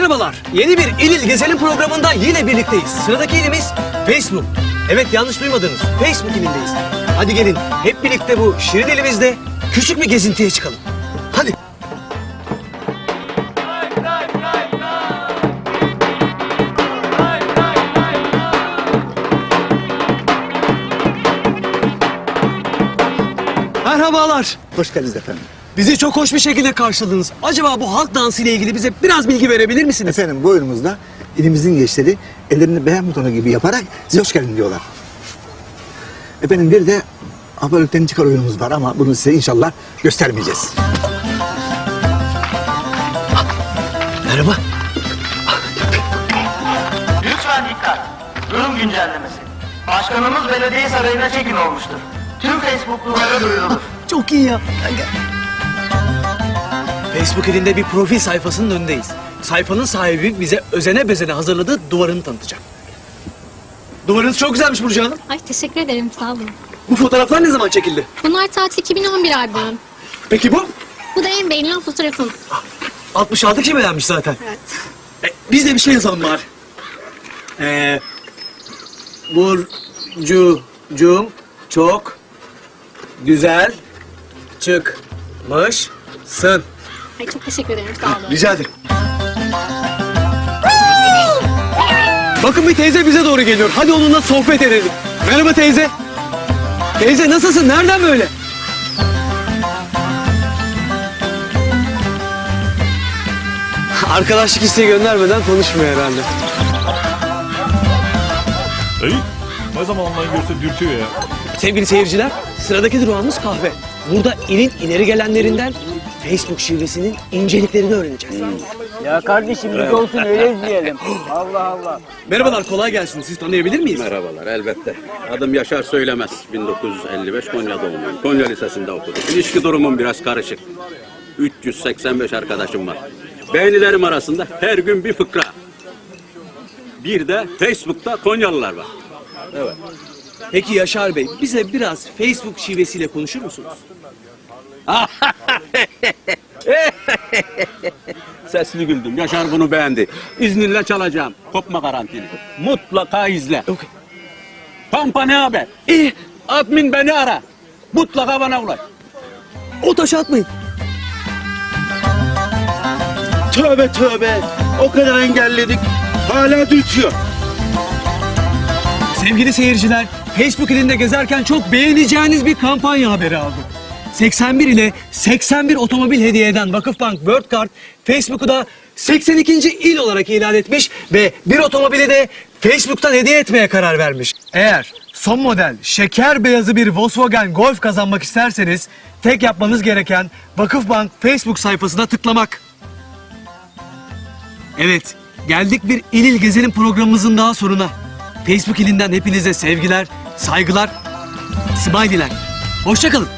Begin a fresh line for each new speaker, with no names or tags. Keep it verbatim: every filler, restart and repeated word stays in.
Merhabalar. Yeni bir İl İl Gezelim programında yine birlikteyiz. Sıradaki ilimiz Facebook. Evet, yanlış duymadınız. Facebook ilindeyiz. Hadi gelin hep birlikte bu şirin ilimizde küçük bir gezintiye çıkalım. Hadi. Merhabalar.
Hoş geldiniz efendim.
Bizi çok hoş bir şekilde karşıladınız. Acaba bu halk dansı ile ilgili bize biraz bilgi verebilir misiniz?
Efendim bu oyunumuzda ilimizin gençleri ellerini beğen butonu gibi yaparak size hoş geldin diyorlar. Efendim bir de abalıktan çıkar oyunumuz var ama bunu size inşallah göstermeyeceğiz.
Merhaba.
Lütfen dikkat. Durum güncellemesi. Başkanımız belediye sarayına çekin olmuştur. Tüm Facebook'lulara duyurulur.
Çok iyi ya. Facebook ilinde bir profil sayfasının önündeyiz. Sayfanın sahibi bize özene bezene hazırladığı duvarını tanıtacak. Duvarınız çok güzelmiş Burcu Hanım.
Ay teşekkür ederim, sağ olun.
Bu fotoğraflar ne zaman çekildi?
Bunlar tatil iki bin on bir albümüm.
Peki bu?
Bu da en beğenilen fotoğrafım.
altmış altı kişi beğenmiş zaten.
Evet.
E, biz de bir şey yazalım bari. Ee, Burcu'cum çok güzel çıkmışsın.
Ay çok teşekkür ederim, sağ olun.
Rica ederim. Bakın bir teyze bize doğru geliyor. Hadi onunla sohbet edelim. Merhaba teyze. Teyze nasılsın? Nereden böyle? Arkadaşlık isteği göndermeden konuşmuyor herhalde.
Ey, ne zaman online görse dürtüyor ya.
Sevgili seyirciler, sıradaki durağımız kahve. Burada ilin ileri gelenlerinden Facebook şivesinin inceliklerini öğreneceğiz.
Ya kardeşim biz olsun öyle izleyelim. Allah Allah.
Merhabalar, kolay gelsin. Siz tanıyabilir miyiz?
Merhabalar, elbette. Adım Yaşar Söylemez. bin dokuz yüz elli beş Konya doğumluyum. Konya Lisesi'nde okudum. İlişki durumum biraz karışık. üç yüz seksen beş arkadaşım var. Beğenilerim arasında her gün bir fıkra. Bir de Facebook'ta Konyalılar var. Evet.
Peki Yaşar Bey, bize biraz Facebook şivesiyle konuşur musunuz?
Sesli güldüm. Yaşar bunu beğendi. İzninle çalacağım. Kopma garantili. Mutlaka izle.
Okay.
Pampa ne haber?
İyi,
Admin beni ara. Mutlaka bana ulaş.
o taşı atmayın.
Tövbe tövbe. O kadar engelledik. Hala dürtüyor.
Sevgili seyirciler, Facebook ilinde gezerken çok beğeneceğiniz bir kampanya haberi aldım. seksen bir ile seksen bir otomobil hediye eden Vakıfbank World Card, Facebook'u da seksen ikinci il olarak ilan etmiş ve bir otomobili de Facebook'tan hediye etmeye karar vermiş. Eğer son model şeker beyazı bir Volkswagen Golf kazanmak isterseniz tek yapmanız gereken Vakıfbank Facebook sayfasına tıklamak. Evet, geldik bir İl İl Gezelim programımızın daha sonuna. Facebook ilinden hepinize sevgiler, saygılar, smiley'ler. Hoşça kalın.